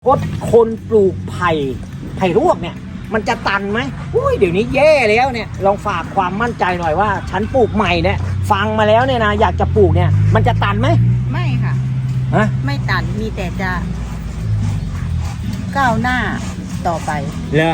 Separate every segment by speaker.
Speaker 1: พดคนปลูกไผ่รวกเนี่ยมันจะตันไหมอุ้ยเดี๋ยวนี้แย่แล้วเนี่ยลองฝากความมั่นใจหน่อยว่าฉันปลูกใหม่เนี่ยฟังมาแล้วเนี่ยนะอยากจะปลูกเนี่ยมันจะตันไหม
Speaker 2: ไม่ค่ะ
Speaker 1: ฮะ
Speaker 2: ไม่ตันมีแต่จะก้าวหน้าต่อไป
Speaker 1: เลย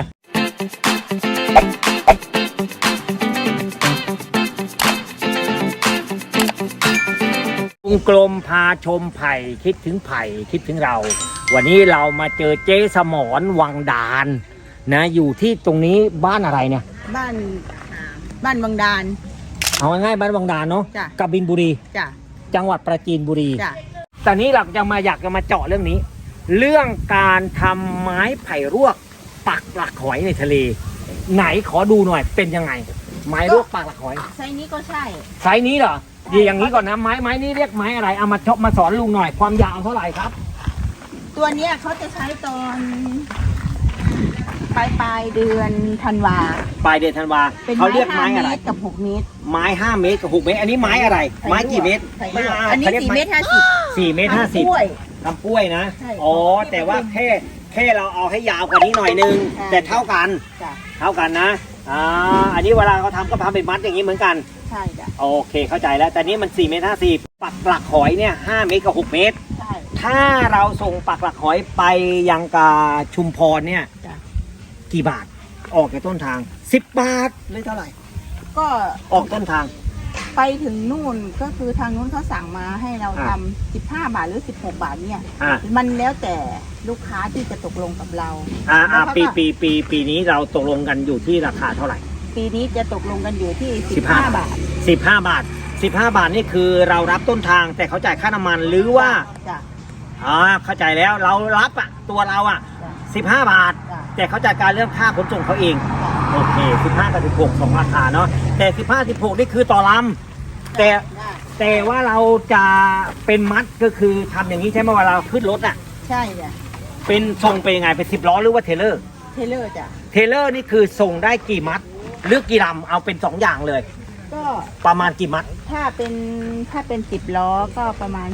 Speaker 1: กลมพาชมไผ่คิดถึงไผ่คิดถึงเราวันนี้เรามาเจอเจ๊สมรวังดานนะอยู่ที่ตรงนี้บ้านอะไรเนี่ย
Speaker 2: บ้านวังดาน
Speaker 1: เอาง่ายๆบ้านวังดานเนาะกบินบุรีจังหวัดปราจีนบุรีแต่นี้เราจะมาอยากจะมาเจาะเรื่องนี้เรื่องการทำไม้ไผ่รวกปักหลักหอยในทะเลไหนขอดูหน่อยเป็นยังไงไม้รวกปักหลักหอย
Speaker 2: ไซส์นี้ก็ใช่
Speaker 1: ไซส์นี้เหรอดีอย่างนี้ก่อนนะไม้นี้เรียกไม้อะไรเอามาสอนลุงหน่อยความยาวเท่าไหร่ครับ
Speaker 2: ตัวเนี้ยเขาจะใช้ตอนปลายเดือนธันวา
Speaker 1: ปลายเดือนธันวาเขาเรียกไม้อะไร
Speaker 2: กับ6 เมตร
Speaker 1: ไม้5 เมตรกับ6 เมตรอันนี้ไม้อะไรไม้กี่เมตร
Speaker 2: อันนี้4 เมตร 50
Speaker 1: 4 เมตร 50ทำกล้วยนะอ๋อแต่ว่าแค่เราเอาให้ยาวกว่านี้หน่อยนึงแต่เท่ากันนะอันนี้เวลาเขาทำก็ทำเป็นมัดอย่างนี้เหมือนกัน
Speaker 2: ใช่จ้ะ
Speaker 1: โอเคเข้าใจแล้วแต่นี้มัน4 เมตร 50ปักหลักหอยเนี่ย5 เมตรกับ6 เมตรถ้าเราส่งปักหลักหอยไปยังกาชุมพรเนี่ยกี่บาทออกจากต้นทาง10 บาทเลยเท่าไหร่
Speaker 2: ก็
Speaker 1: ออกต้นทาง
Speaker 2: ไปถึงนู่นก็คือทางนู้นเขาสั่งมาให้เราทำ15 บาทหรือ16 บาทเนี่ยมันแล้วแต่ลูกค้าที่จะตกลงกับเรา
Speaker 1: ปีนี้เราตกลงกันอยู่ที่ราคาเท่าไหร่
Speaker 2: ปีนี้จะตกลงกันอยู่ที่15 บาท
Speaker 1: 15 บาท15 บาทนี่คือเรารับต้นทางแต่เขาจ่ายค่าน้ำมันหรือว่าเข้าใจแล้วเรารับตัวเรา15 บาทแต่เขาจ่ายการเรื่องค่าขนส่งเขาเองโอเค15กับ16 2 ราคาเนาะแต่15 16นี่คือต่อลำแต่ว่าเราจะเป็นมัดก็คือทำอย่างนี้ใช่ไหมเวลาเราขึ้นรถ
Speaker 2: ใช่จ้ะ
Speaker 1: เป็นส่งไปยังไงเป็น10 ล้อหรือว่าเทเลอร์
Speaker 2: จ้ะ
Speaker 1: เทเลอร์นี่คือส่งได้กี่มัดหรือกี่ลำเอาเป็น2 อย่างเลย
Speaker 2: ก็
Speaker 1: ประมาณกี่มัด
Speaker 2: ถ้าเป็น10 ล้อก็ประมาณ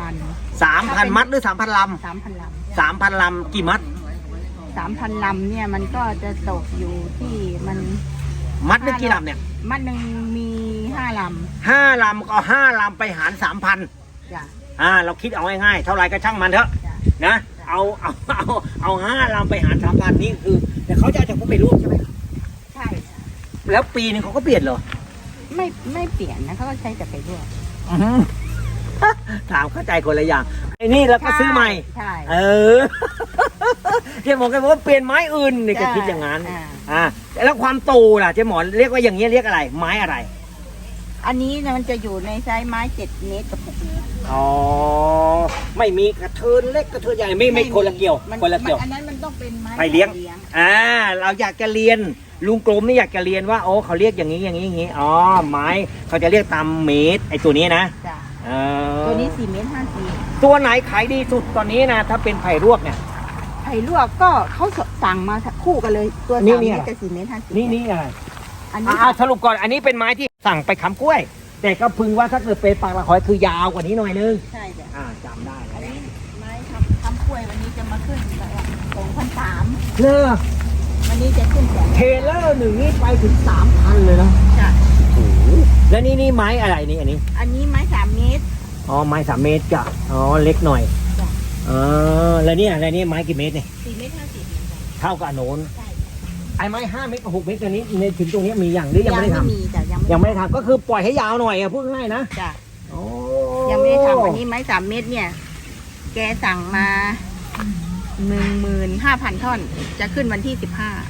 Speaker 2: 3,000
Speaker 1: มัดหรือ 3,000 ลำ 3,000 ลำกี่มัด
Speaker 2: 3,000 ลำเนี่ยมันก็จะตกอยู่ที่มัน
Speaker 1: มัดได้กี่ลำเนี่ย
Speaker 2: มัดหนึ่งมี5 ลำ
Speaker 1: 5 ลำก็5 ลำไปหาร 3,000
Speaker 2: จ้ะ
Speaker 1: เราคิดเอาง่ายๆเท่าไรก็ช่างมันเถอะนะเอา5 ลำไปหาร 3,000นี่คือแต่เขาจะเอาจากพวกไปรวบใช่ไหม
Speaker 2: ใช่
Speaker 1: แล้วปีนึงเขาก็เปลี่ยนเหรอ
Speaker 2: ไม่เปลี่ยนนะเขาก็ใช้แต่ไปรวบ
Speaker 1: ถามเข้าใจคนละอย่างไอ้นี่แล้วก็ซื้อใหม่
Speaker 2: ใช่
Speaker 1: เจ๊หมอแกบอกว่าเปลี่ยนไม้อื่นนี่แกคิดอย่างนั้นแล้วความโตล่ะเจ๊หมอเรียกว่าอย่างนี้เรียกอะไรไม้อะไร
Speaker 2: อันนี้นะมันจะอยู่ในไซส์ไม้7 เมตรกับ6 เมตร
Speaker 1: อ๋อไม่มีกระเทินเล็กกระเทินใหญ่ไม่คนละเกี่ยวคนละเกี่ยว
Speaker 2: อันนั้นมันต้องเป็นไม้
Speaker 1: เลี้ยงเราอยากจะเรียนลุงกรมนี่อยากจะเรียนว่าโอ้เขาเรียกอย่างนี้อ๋อไม้เขาจะเรียกตามเมตรไอ้ตัวนี้นะ
Speaker 2: ตัวนี้4 เมตร 50
Speaker 1: ตัวไหนขายดีสุดตอนนี้นะถ้าเป็นไผ่รวกเนี่ย
Speaker 2: ไผ่รวกก็เขาสั่งมาคู่กันเลยตัว3 เมตรกับ4 เมตร 50
Speaker 1: นี่อะไรอันนี้สรุปก่อนอันนี้เป็นไม้ที่สั่งไปค้ำกล้วยแต่ก็พึงว่าถ้าเกิดเป็นปากละหอยคือยาวกว่านี้หน่อยนึง
Speaker 2: ใช่จ้ะ
Speaker 1: จำได้
Speaker 2: อันนี้ไม้ค้ำกล้วยวันนี้จะมาขึ้น2,300วันนี้จะขึ้น
Speaker 1: เทเลอร์1นี่ไปถึง 3,000 เลยเนาะ
Speaker 2: จ้ะ
Speaker 1: โอ้แล้วนี่ไม้อะไรนี่อัน
Speaker 2: นี้ไม้3 เมตร
Speaker 1: อ๋อไม้3 เมตรจ้ะอ๋อเล็กหน่อยแล้วนี่อะไรนี่ไม้กี่เมตรเนี่ย
Speaker 2: 4 เมตร 50
Speaker 1: เท่ากับโน้นไอ้ไม้5 เมตรกับ6 เมตรตัวนี้ในถึงตรงนี้มีอย่างหรือยังไม่ได้ทำยังไม่ได้ทำก็คือปล่อยให้ยาวหน่อยพูดง่ายนะ
Speaker 2: จ้ะยังไม่ได้ทำอันนี้ไม้3 เมตรเนี่ยแกสั่งมา 15,000 ท่อนจะขึ้นวันที่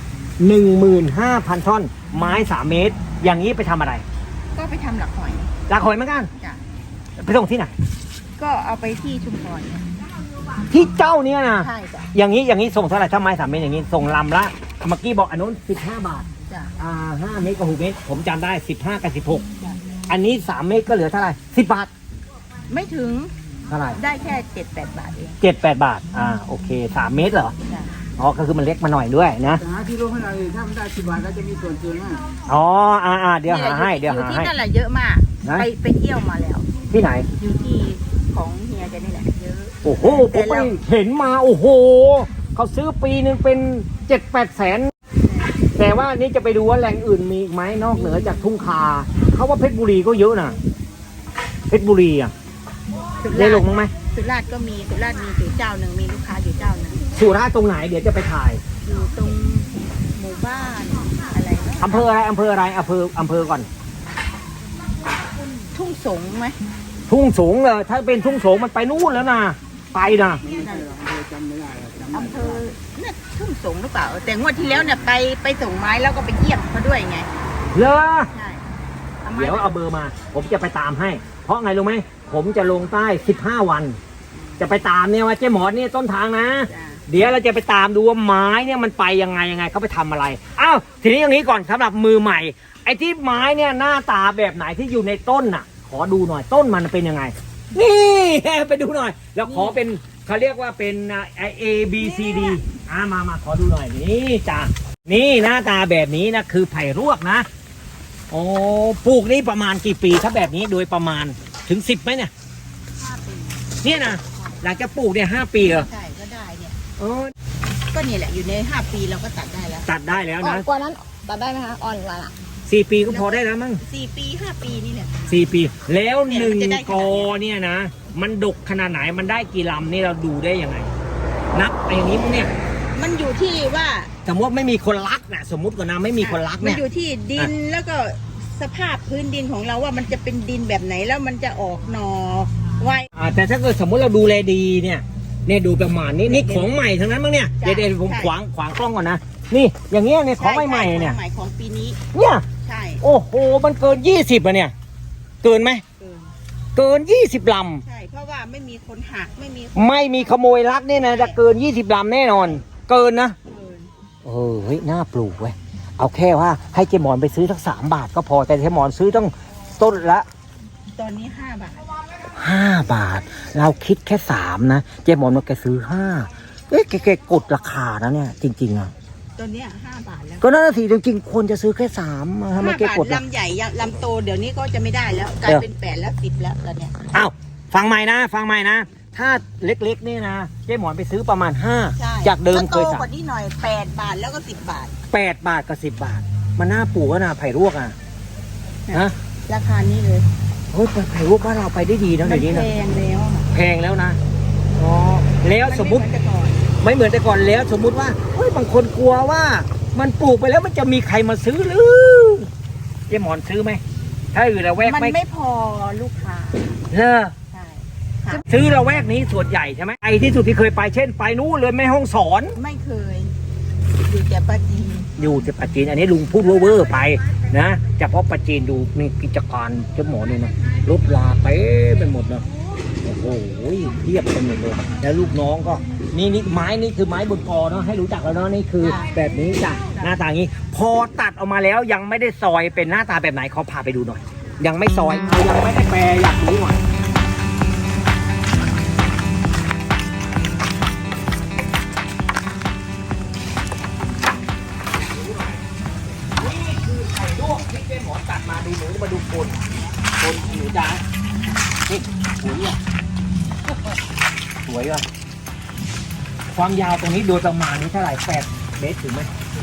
Speaker 1: 15,000 ท่อนไม้3 เมตรอย่างนี้ไปทำอะไร
Speaker 2: ก็ไปทำหลักหอย
Speaker 1: เหมือนกันไปส่งที่ไหน
Speaker 2: ก็เอาไปที่ชุมพร
Speaker 1: ที่เจ้าเนี่ยนะ
Speaker 2: ใช่จ้ะ
Speaker 1: อย่างนี้ส่งเท่าไหร่ถ้าไม้3 เมตรอย่างนี้ส่งลำละเมื่อกี้บอกอันนู้น15 บาท
Speaker 2: จ้ะ
Speaker 1: 5 เมตรกับ6 เมตรผมจำได้15กับ16อันนี้3 เมตรก็เหลือเท่าไหร่10 บาท
Speaker 2: ไม่ถึง
Speaker 1: เท่าไหร่
Speaker 2: ได้แค่7-8 บาทเอง
Speaker 1: 7-8 บาทโอเค3 เมตรเหรออ๋อก็คือมันเล็กมาหน่อยด้วยนะ
Speaker 3: ที่รู้ให้เราถ้ามันได้10 บาทก็จะมีส่วนเกิน
Speaker 1: เดี๋ยวหาให้
Speaker 2: อยู่ที่นั่นแหละเยอะมากไปเที่ยวมาแล้ว
Speaker 1: ที่ไหน
Speaker 2: อยู่ที่ของเฮียจะนี่แหละเยอะ
Speaker 1: โอ้โหผมไปเห็นมาโอ้โหเขาซื้อปีหนึ่งเป็น 7-8 แสนแต่ว่านี่จะไปดูว่าแหล่งอื่นมีอีกไหมนอกเหนือจากทุ่งคาเขาว่าเพชรบุรีก็เยอะนะเพชรบุรีอ่ะได้ลงมั้งไหม
Speaker 2: สุราษฎร์ก็มีสุราษฎร์มีอยู่เจ้าหนึ่งมีลูกค้าอยู่เจ้าหนึ่ง
Speaker 1: สุราษฎร์ตรงไหนเดี๋ยวจะไปถ่าย
Speaker 2: อยู่ตรงหมู่บ้านอะไรนะ
Speaker 1: อำเภออะไรอำเภออะไรอำเภอก่อน
Speaker 2: ทุ่งสงไหม
Speaker 1: ทุ่งสูงเลยถ้าเป็นทุ่งสูงมันไปนู่นแล้วนะไปนะ
Speaker 3: จำไม่ได้จำ
Speaker 2: อำเภอเนี่ยทุ่งสงหรือเปล่าแต่งวดที่แล้วเนี่ยไปส่งไม้แล้วก็ไปเยี่ยมเขาด้วยไง
Speaker 1: เลอ
Speaker 2: ใช่อาไม้
Speaker 1: เดี๋ยวเอาเบอร์มา ผมจะไปตามให้ เพราะไงรู้ไหมผมจะลงใต้15 วัน จะไปตามเนี่ยว่าเจ๊หมอนเนี่ยต้นทางนะ
Speaker 2: จ้ะ
Speaker 1: เดี๋ยวเราจะไปตามดูว่าไม้เนี่ยมันไปยังไงเขาไปทำอะไรอ้าวทีนี้อย่างนี้ก่อนสำหรับมือใหม่ ไอ้ที่ไม้เนี่ยหน้าตาแบบไหนที่อยู่ในต้นน่ะ ขอดูหน่อยต้นมันเป็นยังไง นี่ ไปดูหน่อย แล้วขอเป็นเขาเรียกว่าเป็น A B C D มาขอดูหน่อยนี่จ้ะนี่หน้าตาแบบนี้นะคือไผ่รวกนะโอ้ปลูกนี่ประมาณกี่ปีถ้าแบบนี้โดยประมาณถึง10ไหมเนี่ย
Speaker 2: 5 ปี
Speaker 1: เนี่ยนะหลังจากปลูกเนี่ย5 ปีเหรอ
Speaker 2: ใช่ก็ได้เนี่ย
Speaker 1: อ๋อ
Speaker 2: ก็นี่แหละอยู่ใน5 ปีเราก็ตัดได้แล้ว
Speaker 1: ตัดได้แล้ว
Speaker 4: อ่อ
Speaker 1: นะ
Speaker 4: นกว่านั้นตัดได้ไหมคะอ่อนกว่าละ
Speaker 1: 4 ปีก็พอได้แล้วมั้ง
Speaker 2: 4 ปี5 ปีนี่แหละ
Speaker 1: 4 ปี แล้ว
Speaker 2: เนี่ยมันจะได้
Speaker 1: 1 กอเนี่ยนะ มันดกขนาดไหนมันได้กี่ลำนี่เราดูได้ยังไง นับไปอย่างนี้มั้งเนี่ย
Speaker 2: มันอยู่ที่ว่า
Speaker 1: สมมติไม่มีคนรักนะสมมติก่อนนะไม่มีคนรัก
Speaker 2: มั
Speaker 1: เนี่ย
Speaker 2: อยู่ที่ดินแล้วก็สภาพพื้นดินของเราว่ามันจะเป็นดินแบบไหนแล้วมันจะออกหนอไว
Speaker 1: แต่ถ้าเกิดสมมติเราดูแลดีเนี่ยดูประมาณนี้นี่ของใหม่ทั้งนั้นมั้งเนี่ย
Speaker 2: ใช่
Speaker 1: เดี๋ยวผม
Speaker 2: ใช่
Speaker 1: ขวางกล้องก่อนนะนี่อย่างเงี้ยเนี่ยของใหม่ๆเนี่ย
Speaker 2: ของใหม่ของปีนี้
Speaker 1: เนี่ย
Speaker 2: ใช่
Speaker 1: โอ้โหมันเกิน20อะเนี่ยเกินไหม
Speaker 2: เกิน
Speaker 1: เกิน20 ล
Speaker 2: ใช่เพราะว่าไม่มีคนหักไม่มี
Speaker 1: ำไม่มีขโมยลักเนี่ยนะจะเกิน20 ลำแน่นอน เกินนะ
Speaker 2: เกิน
Speaker 1: เฮ้ยน่าปลูกเว้ยเอาแค่ว่าให้เจหมอนไปซื้อสัก3 บาทก็พอแต่เจหมอนซื้อต้องต้นละ
Speaker 2: ตอนนี้5 บาท
Speaker 1: 5 บาท เราคิดแค่3นะเจหมอนมันแกซื้อ5แกกดราคานะเนี่ยจริงๆอ่ะ
Speaker 2: ตัวเนี้ย5 บาทแล้ว
Speaker 1: ก็นั่นนะสิจริงๆควรจะซื้อแค่3ทำไม
Speaker 2: 5
Speaker 1: แก
Speaker 2: บาท
Speaker 1: กด
Speaker 2: ลำใหญ่ลำโตเดี๋ยวนี้ก็จะไม่ได้แล้วกลายเป็น8แล้ว10แล้วตอนเนี้ย
Speaker 1: อ้าวฟังใหม่นะถ้าเล็กๆเนี่ยนะเจหมอนไปซื้อประมาณ
Speaker 2: ใช่
Speaker 1: 5จากเดิมเคย
Speaker 2: ก็โต
Speaker 1: สั่
Speaker 2: กว่านี้หน่อย8 บาทแล้วก็10 บาท
Speaker 1: 8 บาทกับ10 บาท มันน่าปลูกก็นะไผ่รวกอ่ะนะ
Speaker 2: ราคานี้เลย
Speaker 1: เฮ้ยไผ่รวกบ้านเราไปได้ดีนะ
Speaker 2: มั
Speaker 1: เดี๋
Speaker 2: น
Speaker 1: ยวนี้
Speaker 2: แพ
Speaker 1: นะ
Speaker 2: งแล้วอะ
Speaker 1: แพงแล้วนะอ๋อแล้วสมมุติ
Speaker 2: นไเหอนแต่ก่อน
Speaker 1: ไม่เหมือนแต่ก่อนแล้วสมมุติว่าเฮ้ยบางคนกลัวว่ามันปลูกไปแล้วมันจะมีใครมาซื้อหรือเจ๊หมอนซื้อไหมถ้าอยู่ละแวก
Speaker 2: มัน
Speaker 1: ไม่
Speaker 2: ไม่พอลูกค้า
Speaker 1: เนอะ
Speaker 2: ใช่ค่ะ
Speaker 1: ซื้อละแวกนี้ส่วนใหญ่ใช่ไหมไอ้ที่สุดที่เคยไปเช่นไปนู้นเลยแม่ห้องสอน
Speaker 2: ไม่เคย อยู่แต่ปาจีน
Speaker 1: อยู่ที่ปัจจีนอันนี้ลุงพูดเวอร์ๆไปนะเฉพาะปัจจีนดูนี่กิจการเจ๊หมอนนี่นะรถลาเต็มไปหมดนะโอ้โหเทียบไปหมดเลยแล้วลูกน้องก็นี่ไม้นี่คือไม้บนกอเนาะให้รู้จักแล้วเนาะนี่คือแบบนี้จ้ะหน้าตาอย่างนี้ พอตัดออกมาแล้วยังไม่ได้ซอยเป็นหน้าตาแบบไหนเขาพาไปดูหน่อย ยังไม่ซอยยังไม่ได้แปรอยากรู้หน่อยนี่คือไข่ลวกที่เจ๊หมอตัดมาดูหนูมาดูคนหนูจ้านี่สวยอ่ะสวยอ่ะความยาวตรงนี้โดยประมาณนี้เท่าไหร่8 เมตรถึงไหม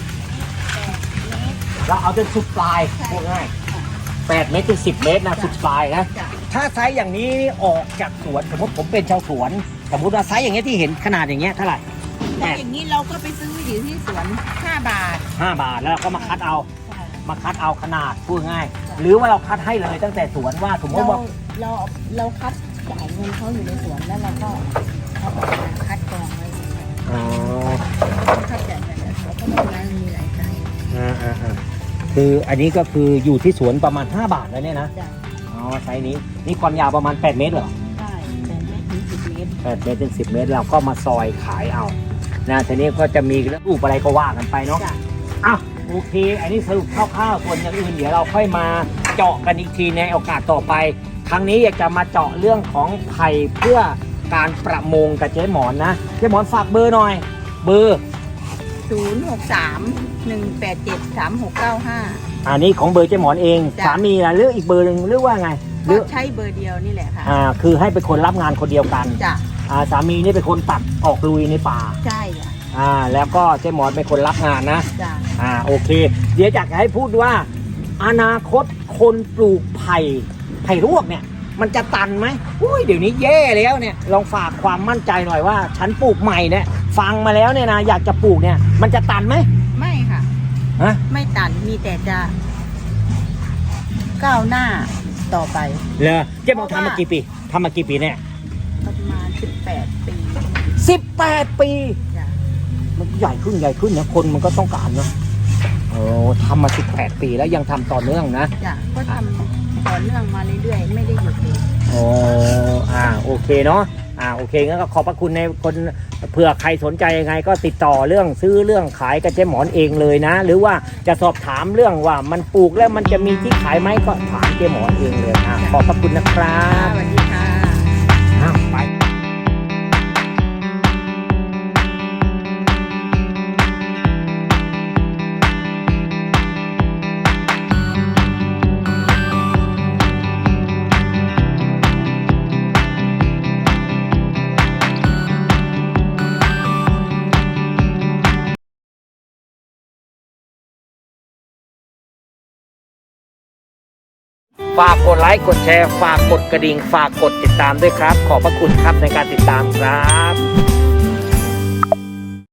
Speaker 1: เราเอาจนสุดปลายพูดง่าย8 เมตรถึง10 เมตรนะสุดปลายนะ
Speaker 2: จ้ะ
Speaker 1: ถ้าไซส์อย่างนี้ออกจากสวนสมมติผมเป็นชาวสวนสมมติว่าไซส์อย่างเงี้ยที่เห็นขนาดอย่างเงี้ยเท่าไหร่
Speaker 2: แล้วอย่างนี้เราก็ไปซื้ออยู่ที่สวน5 บาท
Speaker 1: 5 บาทแล้วเราก็มาคัดเอา
Speaker 2: ใช่
Speaker 1: มาคัดเอาขนาดพูดง่าย หรือว่าเราคัดให้เลยตั้งแต่สวนว่าสมมติว่า
Speaker 2: เราคัดจ่ายเงินเขาอยู่ในสวนแล้วเราก็เอาออกมาคัดกรองไว้
Speaker 1: อ๋อ
Speaker 2: คัดจ่ายเงินแล้วเขาก็ไม่ได้มีรายจ่าย
Speaker 1: คืออันนี้ก็คืออยู่ที่สวนประมาณ5 บาทแล้วเนี่ยนะ
Speaker 2: จ้ะ
Speaker 1: อ๋อไซส์นี้นี่ความยาวประมาณ8 เมตรเหรอ
Speaker 2: ใช่แต่ไม่ถึง10 เมตร
Speaker 1: 8 เมตรถึง10 เมตรเราก็มาซอยขายเอานะทีนี้ก็จะมีรูปอะไรก็ว่ากันไปเนาะ
Speaker 2: จ้ะ
Speaker 1: อ้าวโอเค อันนี้สรุปคร่าวๆส่วนอย่างอื่นเดี๋ยวเราค่อยมาเจาะกันอีกทีในโอกาสต่อไป ครั้งนี้อยากจะมาเจาะเรื่องของไผ่เพื่อการประมงกับเจ๊หมอนนะเจ๊หมอนฝากเบอร์หน่อย เบอร์
Speaker 2: 063-187-3695
Speaker 1: อันนี้ของเบอร์เจ๊หมอนเอง
Speaker 2: จ้ะ
Speaker 1: สามีนะเลือกอีกเบอร์หนึ่งหรือว่าไงหรื
Speaker 2: ก็
Speaker 1: อ
Speaker 2: ใช้เบอร์เดียวนี่แหละค่ะ
Speaker 1: คือให้เป็นคนรับงานคนเดียวกัน
Speaker 2: จ้ะ
Speaker 1: สามีนี่เป็นคนตัดออกลุยในป่า
Speaker 2: ใช่จ้ะ
Speaker 1: แล้วก็เจ๊หมอนเป็นคนรับงานนะ
Speaker 2: จ้ะ
Speaker 1: โอเค เดี๋ยวอยากจะให้พูดว่า อนาคตคนปลูกไผ่รวกเนี่ย มันจะตันไหมอุ้ยเดี๋ยวนี้แย่แล้วเนี่ยลองฝากความมั่นใจหน่อยว่า ฉันปลูกใหม่เนี่ยฟังมาแล้วเนี่ยนะอยากจะปลูกเนี่ย มันจะตันไหม
Speaker 2: ไม่ค่ะ
Speaker 1: ฮะ
Speaker 2: ไม่ตันมีแต่จะก้าวหน้าต่อไป
Speaker 1: เลยเจ๊หมอนทำมากี่ปีเนี่ย
Speaker 2: ประมาณ18 ปี
Speaker 1: 18 ปี
Speaker 2: จ้ะ
Speaker 1: มันใหญ่ขึ้นนะคนมันก็ต้องการเนาะโอ้ทำมา18 ปีแล้วยังทำต่อเนื่องนะ
Speaker 2: จ้ะก็ทำต่อเนื่องมาเรื่อยๆไม่ได้หยุดเลย
Speaker 1: โอ้โอเคเนาะโอเคงั้นก็ขอบพระคุณในคนเผื่อใครสนใจยังไงก็ติดต่อเรื่องซื้อเรื่องขายกับเจ๊หมอนเองเลยนะ หรือว่าจะสอบถามเรื่องว่ามันปลูกแล้วมันจะมีที่ขายไหมก็ถามเจ๊หมอนเองเลยขอบพระคุณนะครับ
Speaker 2: สวัสดีค่ะ
Speaker 1: ไปฝากกดไลค์กดแชร์ฝากกดกระดิ่งฝากกดติดตามด้วยครับ ขอบพระคุณครับในการติดตามครับ